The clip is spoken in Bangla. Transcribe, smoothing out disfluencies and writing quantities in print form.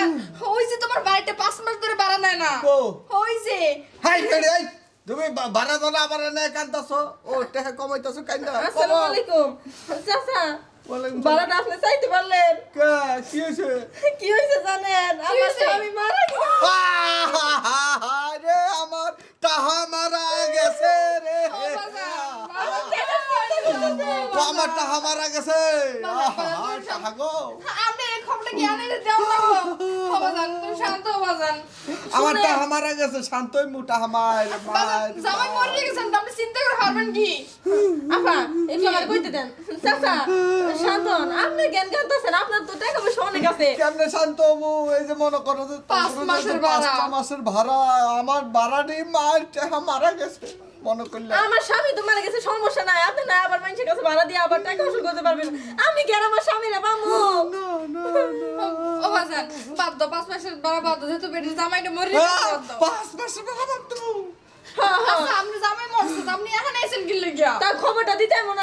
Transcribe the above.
বাজান ওই যে তোমার বাড়িতে 5 মাস ধরে ভাড়া নেয় না ও ওই যে হাই এই তুমি ভাড়া ধরা আবার এনে কান্দাছো ও টাকা কমাইতাছো কান্দা আসসালামু আলাইকুম চাচা ভাড়াটা আপনি চাইতে পারলেন কি হয়েছে কি হয়েছে জানেন আমার স্বামী মারা গেছে রে আমার টাহা মারা গেছে রে আমার টাহা মারা গেছে টাহা গো আপনি এই খবরটা কি আনে দেও না গো বাজান তুমি শান্ত হও বাজান আমার টাহা মারা গেছে শান্তই মুটা আমার বাজান জামাই মরে গেছেন আপনি চিন্তা করে পারবেন কি আপা একটু আমার কইতে দেন চাচা শান্তন আপনি জ্ঞান গানতেছেন আপনার তো টাকা পয়সা অনেক আছে কেমনে শান্ত হবো এই যে মনে করো যে 5 মাসের ভাড়া 5 মাসের ভাড়া আমার ভাড়া নেই মার টাহা মারা গেছে মনে করলে আমার স্বামী তো মারা গেছে সমস্যা নাই আপনি না আবার মানুষের কাছে ভাড়া দিয়ে আবার টাকা উসুল করতে পারবেন আমি কি আর আমার স্বামীরা পাবো ও বাজান বাদ দাও 5 মাসের ভাড়া বাদ দাও যেহেতু বেটির জামাইটা মরে গেছে বাদ দাও 5 মাসের ভাড়া বাদ দাও আচ্ছা আপনি জামাই মরছে তো আপনি এখানে আইছেন কি লাগিয়া তার খবরটা দিতে এমন